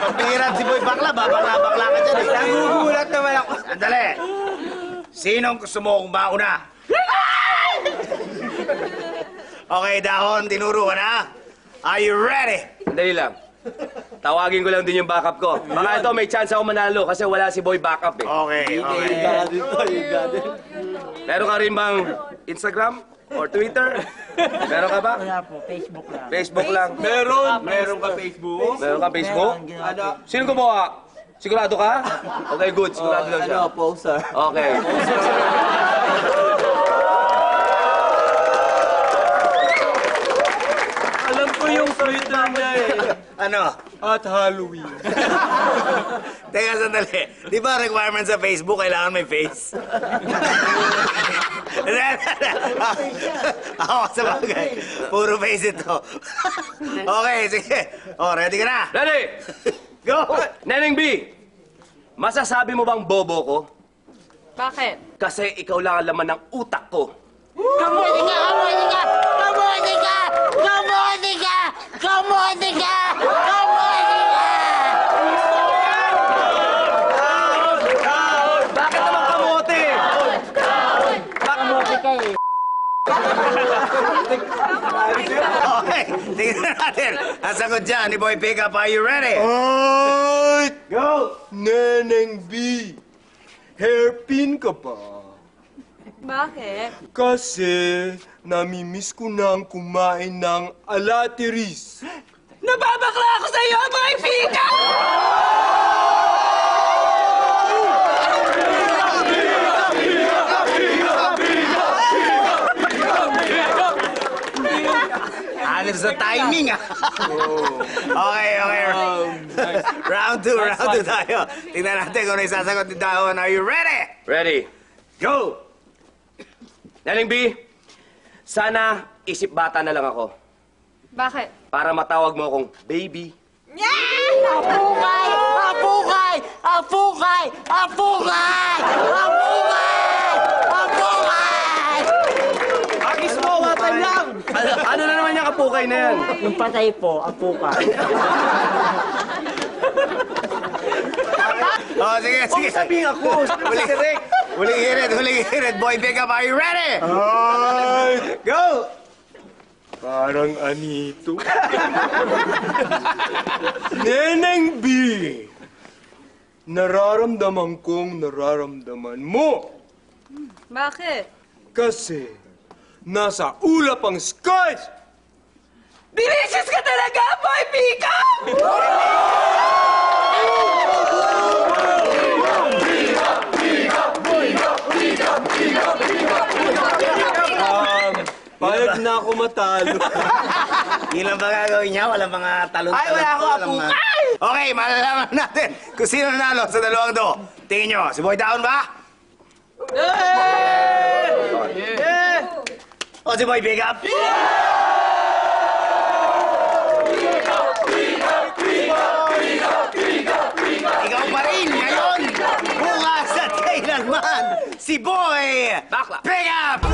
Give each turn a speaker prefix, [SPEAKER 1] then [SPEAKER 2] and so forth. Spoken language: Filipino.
[SPEAKER 1] Pagpihiran si Boy Bakla, babakla-bakla ka dyan eh.
[SPEAKER 2] Nagugulat naman ako.
[SPEAKER 1] Sandali! Sinong gusto mo kung mauna? Okay, Dahon, tinuro ka na. Are you ready?
[SPEAKER 2] Dali lang. Tawagin ko lang din yung backup ko. Baka ito may chance ako manalo kasi wala si Boy backup eh.
[SPEAKER 1] Okay, okay.
[SPEAKER 2] Meron ka rin bang Instagram or Twitter? Meron ka ba?
[SPEAKER 3] Wala po, Facebook lang.
[SPEAKER 2] Facebook lang.
[SPEAKER 4] Meron ka Facebook?
[SPEAKER 2] Meron ka Facebook?
[SPEAKER 4] Ano?
[SPEAKER 2] Sino gumawa? Sigurado ka? Okay, good. Sigurado lang siya.
[SPEAKER 4] Poster.
[SPEAKER 2] Okay.
[SPEAKER 4] Alam ko yung Twitter niya eh.
[SPEAKER 1] Ano?
[SPEAKER 4] At Halloween.
[SPEAKER 1] Teka, sandali. Di ba requirement sa Facebook, kailangan may face? Ako sa bagay. Puro face ito. Okay, sige. Oh, ready ka na?
[SPEAKER 2] Ready?
[SPEAKER 1] Go!
[SPEAKER 2] Neneng B, masasabi mo bang bobo ko?
[SPEAKER 5] Bakit?
[SPEAKER 2] Kasi ikaw lang ang laman ng utak ko.
[SPEAKER 3] Kamuti ka! Kamuti ka! Kamuti ka! Kamuti ka! Kamuti ka! Kamuti ka!
[SPEAKER 2] Bakit naman kamote?
[SPEAKER 3] Kamuti ka eh.
[SPEAKER 1] Okay, tingnan natin. Ang sagot dyan ni Boy Pickup, are you ready?
[SPEAKER 4] Ay!
[SPEAKER 1] Go!
[SPEAKER 4] Neneng B, hairpin ka pa.
[SPEAKER 5] Bakit?
[SPEAKER 4] Kasi namimiss ko nang kumain ng alatiris.
[SPEAKER 5] Nababakla ako sa iyo, Boy Pika!
[SPEAKER 1] Hanip sa timing, ah. Okay, okay. Round two tayo. Tingnan natin kung ano yung sasagot ni Dahon. Are you ready?
[SPEAKER 2] Ready?
[SPEAKER 1] Go!
[SPEAKER 2] Neneng B, sana isip bata na lang ako
[SPEAKER 5] Bakit?
[SPEAKER 2] para matawag mo akong baby.
[SPEAKER 3] Apukay! Apukay! Apukay! Apukay! Apukay! Apukay!
[SPEAKER 2] Agis mo, watay lang! Ano na naman yung kapukay na yan?
[SPEAKER 3] Yung patay po, apukay.
[SPEAKER 1] Oh, sige, sige.
[SPEAKER 2] Sabihin ako,
[SPEAKER 1] Huling hirit. Boy Pickup, are you ready?
[SPEAKER 4] Ay!
[SPEAKER 1] Go!
[SPEAKER 4] Parang anito. Neneng B, nararamdaman kong nararamdaman mo.
[SPEAKER 5] Bakit?
[SPEAKER 4] Kasi nasa ulap ang skies.
[SPEAKER 5] Delicious ka talaga, Boy Pika!
[SPEAKER 4] Payag na ako matalo.
[SPEAKER 1] Ilan ba gagawin niya? Walang mga talon-talon.
[SPEAKER 5] Ay, wala akong
[SPEAKER 1] walang mga- Okay, malalaman natin kung sino nanalo sa dalawang to. Tingin nyo, si Boy Dahon ba? O si Boy Pickup? Ikaw pa rin ngayon! Bukas at kailanman, si Boy
[SPEAKER 2] Bakla.
[SPEAKER 1] Pickup!